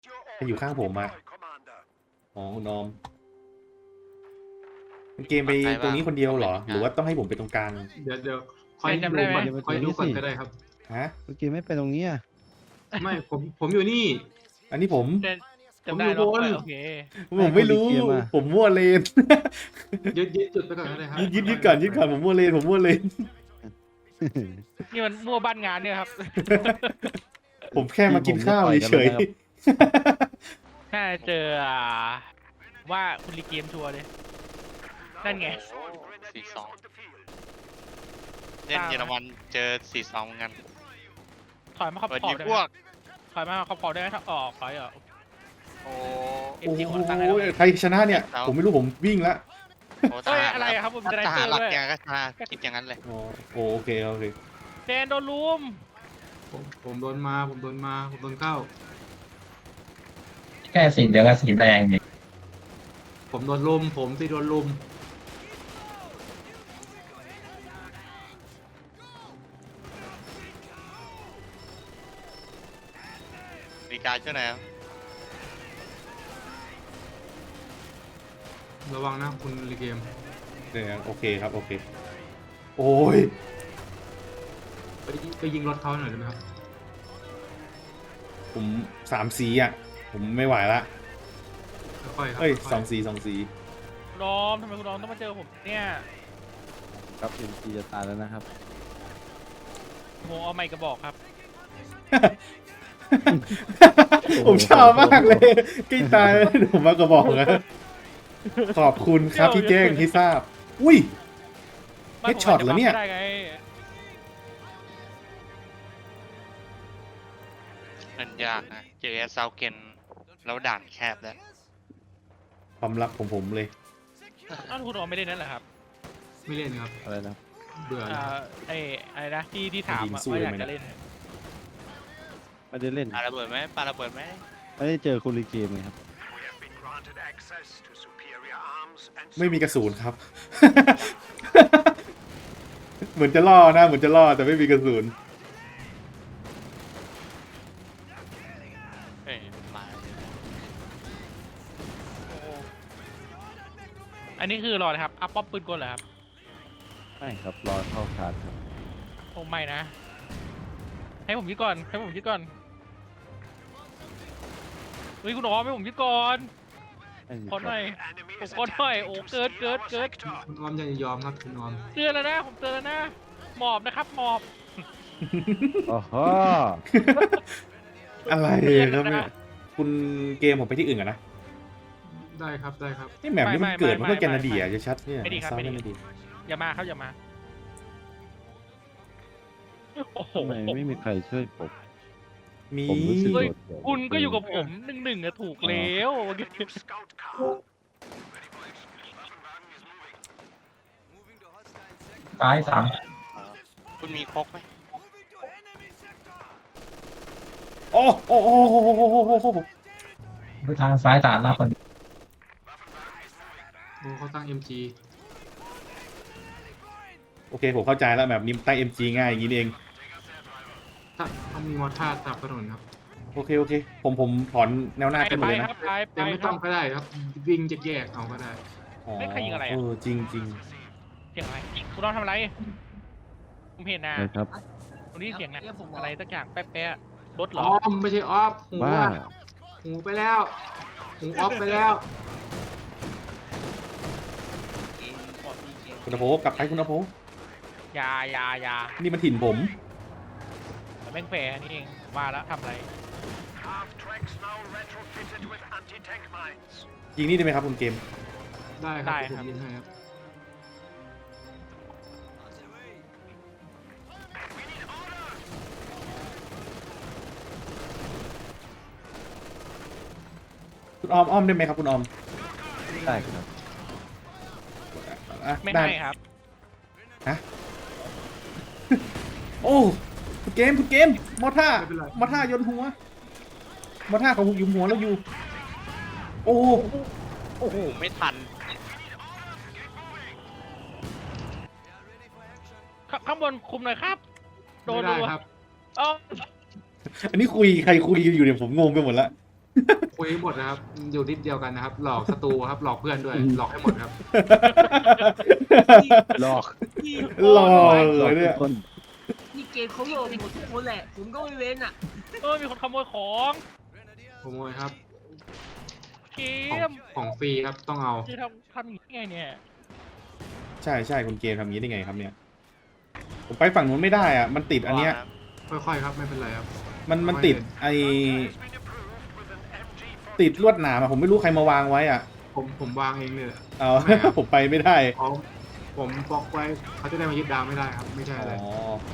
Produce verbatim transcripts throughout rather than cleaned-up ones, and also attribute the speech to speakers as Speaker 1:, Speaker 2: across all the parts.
Speaker 1: จะอยู่ข้างผมอะอ๋อคุณออมเป็นเกมไปตรงนี้คนเดียวเหรอ หรือว่าต้องให้ผมไปตรงกลาง
Speaker 2: เดี๋ยวเดี๋ยวคอย
Speaker 3: จำ
Speaker 2: ดู
Speaker 3: ได้ไหม
Speaker 2: ก่อนคอยดูก่อนก็ได้ครับ
Speaker 1: ฮะ
Speaker 4: เมื่อกี้ไม่ไปตรงนี้อ่ะ
Speaker 2: ไม่ผมผมอยู่นี่
Speaker 1: อันนี้ผม
Speaker 3: เจนจำได้
Speaker 2: ผมอยู่
Speaker 3: เนาะ
Speaker 2: บน
Speaker 3: โอเค
Speaker 1: ผมไม่รู้ ผมมั่วเลน
Speaker 2: ยึดยึดจุดไปก่อนก็ได้ครับ
Speaker 1: ยึดยึดยึดก่อนยึดก่อนผมมั่วเลนผมมั่วเลน
Speaker 3: นี่มันมั่วบ้านงานเนี่ยครับ
Speaker 1: ผมแค่มากินข้าวเฉย
Speaker 3: ถ้าเจออ่าว่าคุณรีเกมชัวร์เลยนั่นไง
Speaker 5: สี่สองเล่นเยอรมันเจอสี่สองเหมือนกัน
Speaker 3: ถอยมาขอบ
Speaker 5: เปิด
Speaker 3: ขอ
Speaker 5: ยิ
Speaker 3: บ
Speaker 5: ง
Speaker 3: ได้
Speaker 5: พ
Speaker 3: ไหม
Speaker 5: วก
Speaker 3: ถอยมาขอบขอบได้ไหมถ้าออกถอยออก
Speaker 5: โอ้
Speaker 1: ๆ
Speaker 3: เอ็
Speaker 1: โอ้
Speaker 3: มจี
Speaker 1: โห
Speaker 3: คนตั้งให้เรา
Speaker 1: ใครชนะเนี่ย ผมไม่รู้ผมวิ่งละ
Speaker 5: โห
Speaker 3: เฮ้ยอะไรอะครับผมจะได้
Speaker 5: ท
Speaker 3: เจ
Speaker 5: หาร
Speaker 3: อ
Speaker 5: หลัก
Speaker 3: ด้วย
Speaker 5: อย่างก็ชนะคิดอย่างนั้นเลย
Speaker 1: อ๋อโอเคโอเค
Speaker 3: เจนโดนลุม
Speaker 2: ผมผมโดนมาผมโดนมาผมโดนเข้า
Speaker 6: แค่สีเหลืองกับสีแดงนี่
Speaker 2: ผมโดนลุมผมที่โดนลุม
Speaker 5: ดีการช่วยหน่อยครับ
Speaker 2: ระวังนะคุณรีเกม
Speaker 1: เดี๋ยวโอเคครับโอเค โอ้ย
Speaker 2: ไปไปยิงรถเขาหน่อยได้ไหมครับ
Speaker 1: ผมสามสีอ่ะ ผมไม่ไหวละ
Speaker 2: ค่อยๆครับ
Speaker 1: เอ้ย
Speaker 2: ค่ๆ
Speaker 1: สองสีสองสี
Speaker 3: คุณรอมทำไมคุณรอมต้องมาเจอผมเนี่ย
Speaker 4: ครับเอ็มซีจะตายแล้วนะครับ
Speaker 3: โมเอาไมค์กระบอกครับ
Speaker 1: ผมชอบมากเลยใกล้ตายแล้วผมมากระบอกนะขอบคุณครับที่แจ้งที่ทราบ อุ้ย
Speaker 3: ไม่
Speaker 1: เฮดช็อตเหรอเนี่ย
Speaker 3: ผมาจจะบัฟได้ไง
Speaker 5: มันยากนะเจอเซาเกนแล้วด่านแคบแล้ว
Speaker 1: ความลับของผมเลย
Speaker 3: อ้าวคุณรอมไม่ได้นั่นเหรอครับ
Speaker 2: ไม่เล่นครับ
Speaker 4: อะไรนะ
Speaker 2: เบื่อ
Speaker 3: อ่าไอ้อะไรนะที่ที่ถาม
Speaker 1: ยิง
Speaker 3: อะ
Speaker 1: สู้
Speaker 3: ว่า
Speaker 1: ได้
Speaker 3: อยาก
Speaker 1: ไหม
Speaker 3: จะเล่น
Speaker 4: ไม่ได้เล่น
Speaker 5: ปาระเบิดไหมปาระเบิดไหม
Speaker 4: ไม่ได้เจอคุณรีเกมไงครับ
Speaker 1: ไม่มีกระสุนครับ เหมือนจะล่อนะเหมือนจะล่อแต่ไม่มีกระสุน
Speaker 5: เอ้ยมา
Speaker 3: อันนี้คือรอเลยครับอัพป๊อปปืนกลเหรอครับ
Speaker 4: ไม่ครับ รอเข้าคาร์ดครับ
Speaker 3: โอ้ไม่นะ ให้ผมยึดก่อนให้ผมยึดก่อนเฮ้ยคุณรอมให้ผมยึดก่อน
Speaker 4: ไม่มี
Speaker 3: ขอหน่อย
Speaker 4: ครับ
Speaker 3: ผมขอหน่อยโอ้เกิดเกิดเกิด
Speaker 2: คุณออมอย่ายอมครับคุณออม
Speaker 3: เตือนแล้วนะผมเตือนแล้วนะหมอบนะครับหมอบ
Speaker 4: โอ้โห
Speaker 1: อะไรครับเนี่ยคุณเกมผมไปที่อื่นกันนะ
Speaker 2: ได้ครับได้ครับ
Speaker 1: นี่แมปนี้มันเกิดมันก็แคนาเดียจะชัดเนี่ย
Speaker 3: ไม่ดีครับ
Speaker 1: เซา
Speaker 3: ไม่
Speaker 1: แคนา
Speaker 3: ดี
Speaker 1: เดีย
Speaker 3: อย่ามาครับอย่ามาโอ้โห
Speaker 4: ทำไมไม่มีใครช่วยผม
Speaker 1: มี
Speaker 4: ผมรู้สึก
Speaker 3: เฮ้ย
Speaker 4: โดดเดี่ยว
Speaker 3: คุณก็อยู่กับผมหนึ่งหนึ่งอะถูกแล้ว
Speaker 6: ซ้ายสาม
Speaker 5: คุณมีคกไหม
Speaker 1: โอ้โอ้โอ้โอ้โอ้โอ้โอ้โอ้
Speaker 6: ดูทางซ้ายสามหน้าคน
Speaker 2: โอ้เขาตั้ง เอ็ม จี
Speaker 1: โอเคผมเข้าใจแล้วแบบนี้ใต้ เอ็ม จี ง่ายอย่างนี้นี่เอง
Speaker 2: ถ้าเขามีมอท่าตับถนนครับ
Speaker 1: โอเคโอเค ผมผมถอนแนวหน้า
Speaker 3: ไป
Speaker 1: ขึ้นหม
Speaker 3: ไป
Speaker 1: ดเลย
Speaker 3: ค
Speaker 1: นะ
Speaker 3: รับไปไป
Speaker 2: แต่ไม่
Speaker 3: ค
Speaker 2: ต้
Speaker 3: รั
Speaker 2: อบ งก็ได้ครับ วิ่งจะแยกเอาก็ได้
Speaker 1: อ๋อ
Speaker 3: ไม่ใครยิงอะไรอะ
Speaker 1: เออจริงจริง
Speaker 3: เสียงอะไรคุณรอมทำอะไรผมเห็นนะ
Speaker 4: นะครับ
Speaker 3: ตรงนี้เสียงนะอะไรสักอย่างแป๊ะๆรถเหร
Speaker 2: อ
Speaker 3: อ
Speaker 2: อมไม่ใช่ออฟหู
Speaker 4: ว่า
Speaker 2: อะหูไปแล้ว หูออฟไปแล้ว
Speaker 1: คุณอโภกลับไปคุณอโภ
Speaker 3: อยาอยาอยา
Speaker 1: นี่มันถิ่นผม
Speaker 3: แต่แม่งแฝงนี่เองว่าแล้วทำอะไร
Speaker 1: ยิงนี่ได้ไหมครับคุณเกม
Speaker 2: ได้ค
Speaker 3: ได้
Speaker 2: รับ
Speaker 3: ค
Speaker 2: ผ
Speaker 3: รับ
Speaker 2: มยิงให้ครับ
Speaker 1: คุณออมอ้อมได้ไหมครับคุณออม
Speaker 4: ได้ครับ
Speaker 1: อ่ะ
Speaker 3: ไม่
Speaker 1: ได้
Speaker 3: ให้ครับ
Speaker 1: โอ้คุณเกมคุณเกมมอท่า
Speaker 2: ไม่เป็นไร
Speaker 1: มอท่ายนหัวมอท่าของหุกยุมหัวแล้วอยู่ โอ้
Speaker 5: โอ้โหไม่ทัน
Speaker 3: ขข้างบนคุมหน่อยครับ โด
Speaker 2: ไม่
Speaker 3: น
Speaker 2: ได้
Speaker 3: รัว
Speaker 2: ครับ
Speaker 3: เออ
Speaker 1: อันนี้คุยใครคุยกันอยู่เนี่ยผมงงไปหมดละ
Speaker 2: คุยหมดนะครับ อยู่ทิศเดียวกันนะครับ หลอกศัตรูครับ หลอกเพื่อนด้วย หลอกให้หมดครับ
Speaker 4: หลอก
Speaker 7: พี่
Speaker 1: หล่อ
Speaker 4: หลอก
Speaker 1: เลย
Speaker 4: ทุ
Speaker 1: เนี่
Speaker 4: ก
Speaker 1: ย
Speaker 4: คน
Speaker 7: นี่เกมเขาโหลดหมดทุกคนแหละ ผมก็ไม่เว้นอ่ะ
Speaker 3: เออมีคนขโมยของ
Speaker 2: ขโมยครับ
Speaker 3: เก
Speaker 2: ของ
Speaker 3: ม
Speaker 2: ของฟรีครับ ต้องเอา
Speaker 3: จะทำทำอย่างนี้ไงเนี่ย
Speaker 1: ใช่ใช่คุณเกมทำอย่างนี้ได้ไงครับเนี่ย ผมไปฝั่งนู้นไม่ได้อ่ะ มันติดอันเนี้ย
Speaker 2: ค่อยๆครับ ไม่เป็นไรครับ
Speaker 1: มันมันติดไอติดลวดหนามอะผมไม่รู้ใครมาวางไว้อ่ะ
Speaker 2: ผมผมวางเองเนี่ยแหละ
Speaker 1: เอา
Speaker 2: ไม่ครับ
Speaker 1: ผมไปไม่ได้
Speaker 2: เขาผมบล็อกไว้เขาจะได้มายึดดาวไม่ได้ครับ ไม่ใช่
Speaker 1: อ๋
Speaker 2: อะไร
Speaker 1: อ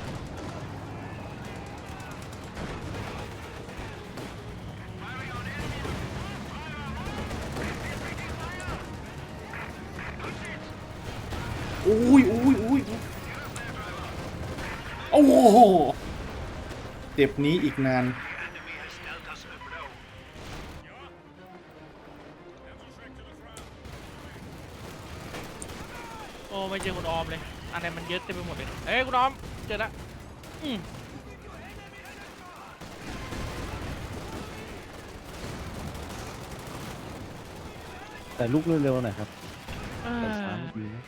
Speaker 1: อุ้ยอุ้ยอุ้ยโอ้โหเจ็บนี้อีกนาน
Speaker 3: โอ้ไม่เจอคุณออมเลยอะไรมันเยอะเต็มไปหมดเลยเอ้ยคุณออมเจอละอืม
Speaker 4: แต่ลุกเร็วๆหน่อยครับ
Speaker 3: เอ
Speaker 4: แต่
Speaker 3: อ
Speaker 4: ช้าไม่ดีนะ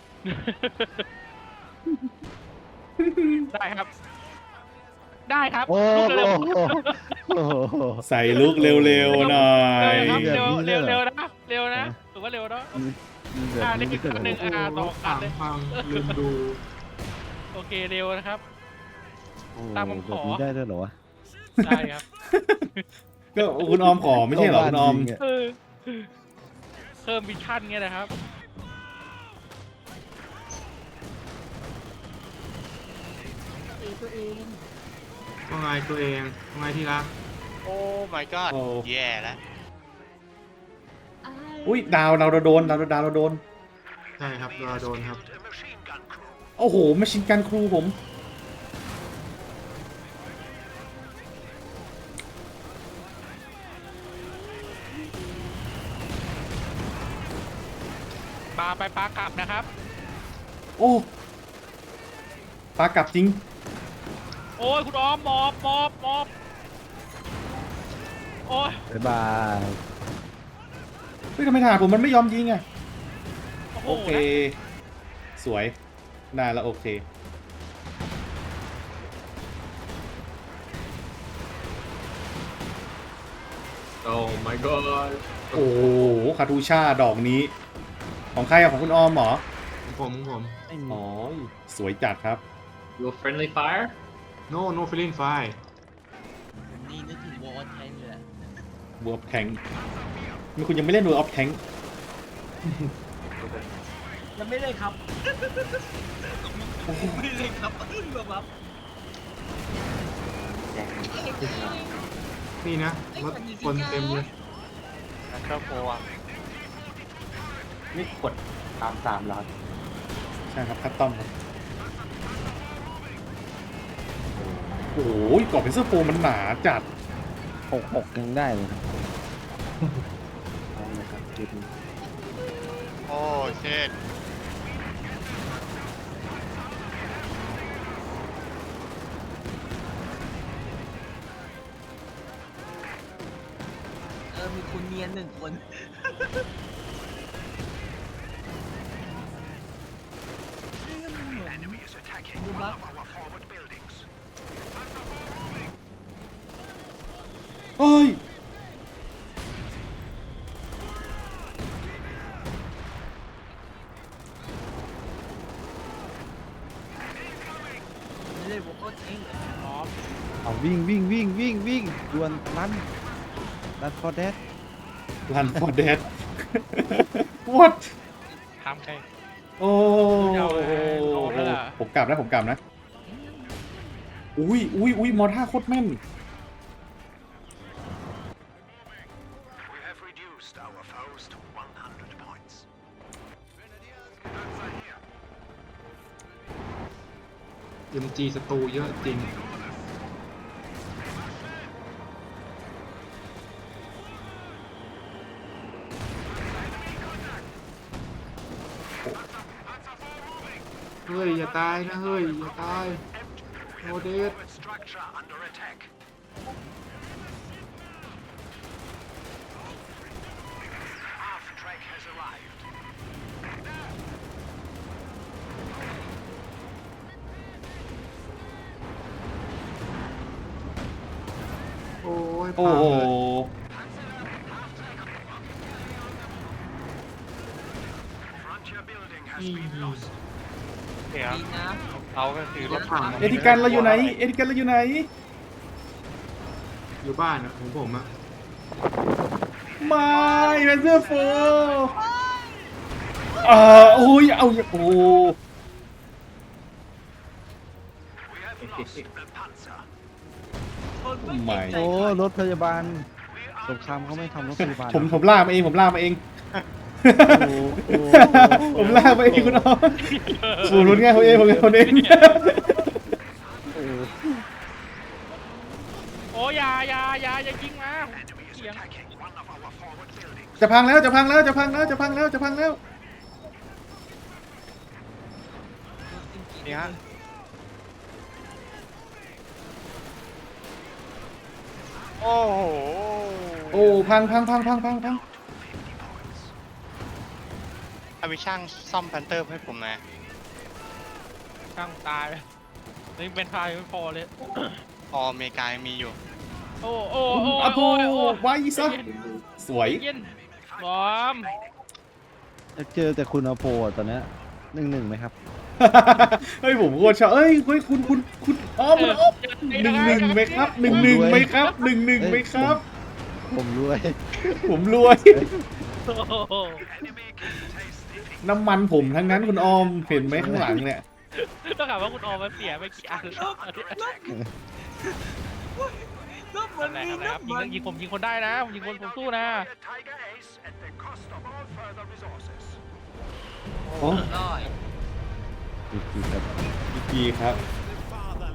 Speaker 3: ได้ครับ ได้ครับ
Speaker 4: โอ้
Speaker 3: ลุก
Speaker 4: โห
Speaker 3: เร็ว
Speaker 4: โอ้โห
Speaker 1: ใส่ลุกเร็วๆหน่อ
Speaker 3: ๆ
Speaker 1: ย
Speaker 3: เร็วครับ
Speaker 4: แบบ
Speaker 3: เร็ว
Speaker 4: นี้เลยเหรอ
Speaker 3: เร็วๆนะเร็วนะถือว่าเร็วเนาะ
Speaker 4: มีแบบ
Speaker 3: อ่านี่
Speaker 4: นี้
Speaker 3: คือ
Speaker 4: ด้วยเหรอ
Speaker 3: หนึ่ง อ่าต่อกันเลย
Speaker 2: พังลืมดู
Speaker 3: โอเคเร็วนะครับ
Speaker 4: โอ้
Speaker 3: ตามผมข
Speaker 4: แบ
Speaker 3: อ
Speaker 4: บนี้ได้ด้วยเหรอวะ
Speaker 3: ได้ครับ
Speaker 1: ก็คุณออมขอไม่ใช่เหรอคุณออม
Speaker 4: จริงะ
Speaker 3: เออเพิ่มวิชั่นเงี้ยนะครับ
Speaker 7: เองตัวเอง
Speaker 2: ว่าไงตัวเองว่าไงที่รัก
Speaker 5: โอ้ my god
Speaker 1: โอ้
Speaker 5: แย่แล้ว
Speaker 1: อุ้ยดาวเราโดนดาวดาวเราโดน
Speaker 2: ใช่ครับเราโดนครับ
Speaker 1: โอ้โหมาชินกันครูผม
Speaker 3: ปลาไปปลากลับนะครับ
Speaker 1: โอ้ปลากลับจริง
Speaker 3: โอ้ยคุณออมหมอบหมอบหมอบโอ้ย
Speaker 4: บ๊ายบาย
Speaker 1: เฮ้ยทำไมทหารผมมันไม่ยอมยิงอ่ะ
Speaker 3: โอ้โห
Speaker 1: โอเค สวยได้แล้วโอเค
Speaker 2: โอ้ my god
Speaker 1: โอ้โหคาทูชาดอกนี้ ของใครอะของคุณออมเหรอ
Speaker 2: ผมผม
Speaker 4: ไม่มี
Speaker 1: อ๋อ สวยจัดครับ
Speaker 2: Your friendly fire No no feeling fire
Speaker 7: นี่นึกถึงวอลแทงเลยอะ
Speaker 1: w o r d of Tank มีคุณยังไม่เล่น World of Tank
Speaker 7: ยังไม่เลยครับ ไม่เลยครับแบบแบบ
Speaker 2: นี่นะรถคนเต็มเลย
Speaker 5: แล้วก็โกะ
Speaker 6: นี่กดตามสามแล้ว
Speaker 1: ใช่ครับคัสตอมครับโอ้ยกรอบเป็นเสื้อโฟมมันหนาจัด
Speaker 4: หกหกยังได้เลยนะเอาเลยครับคลิปนี้
Speaker 5: โอ้เช่น
Speaker 7: เออมีคุณเนียนหนึ่งคนดูบัฟ
Speaker 1: เอ้ย
Speaker 7: ไม่เลยวอลแทง
Speaker 3: พร้อม
Speaker 4: เอาวิ่งวิ่งวิ่งวิ่งวิ่งดวนรันรันฟอร์เดส
Speaker 1: Run for Dead What
Speaker 3: ทำใคร
Speaker 1: โอ้
Speaker 3: เอาไงเอาแล้วล่ะ
Speaker 1: ผมกลับนะผมกลับนะ อุ้ยอุ้ยอุ้ยมอท่าโคตรแม่น
Speaker 2: เอ็มจีศัตรูเยอะจริง เฮ้ย อย่าตายนะ เฮ้ย อย่าตายโมเดสย
Speaker 1: โอ้โห
Speaker 2: อืม
Speaker 5: เดี๋ยว
Speaker 7: ดีนะ
Speaker 5: เราก็คือรถ
Speaker 2: ถัง
Speaker 1: เอธิกันเราอยู่ไหน เอธิกันเราอยู่ไหน
Speaker 2: อยู่บ้านอะของผมอะ
Speaker 1: ไม่แมนเซอร์โฟอ่าโอ้ยเอาโอ้
Speaker 7: คนไม่
Speaker 1: ไม่
Speaker 7: เจ็บใจ
Speaker 4: โอ้รถพยาบาลสงครามเขาไม่ทำรถพยาบาล
Speaker 1: ผมผมล่ากมาเองผมล่ากมาเอง
Speaker 4: โอ้โห
Speaker 1: ผมลากมาเองคุณน้องผมรุนง่ายผมเองผมเองผมเอง
Speaker 4: โอ้โห
Speaker 3: โอ้ยาอยาอยาอย่ายิงมาเสียง
Speaker 1: จะพังแล้วจะพังแล้วจะพังแล้วจะพังแล้วจะพังแล้ว
Speaker 5: นี่ฮะโอ้โห
Speaker 1: โอ้พังพังพังพังพังพัง
Speaker 5: เอาไปช่างซ่อมแพนเตอร์ให้ผมหนะ
Speaker 3: ช่างตายนี่เป็นพายไม่พอเลย
Speaker 5: พออเมริกายังมีอยู่
Speaker 3: โอ้โอ้โอ้
Speaker 1: อะโพ
Speaker 3: โอ้โอ้
Speaker 1: ไว้ซะสวย
Speaker 3: เย็นบอม
Speaker 4: จะเจอแต่คุณอโปอะตอนเนี้ยหนึ่งหนึ่งไหมครับ
Speaker 1: เฮ้ยผมโคตรชอบเอ้ยเฮ้ยคุณคุณคุณอ้อมคุณอ้อมหนึ่งหนึ่งไหมครับหนึ่งหนึ่งไหมครับหนึ่งหนึ่งไหมครับ
Speaker 4: ผมรวย
Speaker 1: ผมรวย
Speaker 3: โอ้โห
Speaker 1: น้ำมันผมทั้งนั้นคุณออมเห็นไหมข้างหลังเนี่ย
Speaker 3: ต้องถามว่าคุณออมมาเสียไปกี่อันแล้ว
Speaker 7: ก็เหมือน
Speaker 3: อะไร
Speaker 7: มี
Speaker 3: อะไรครับยิง
Speaker 7: น้ำมั
Speaker 3: ต้อน งยิงผมยิงคนได้นะผมยิงคนผมสู้นะ
Speaker 1: โอ้
Speaker 7: ร้อย
Speaker 4: ดีๆครับ
Speaker 1: ดีครับ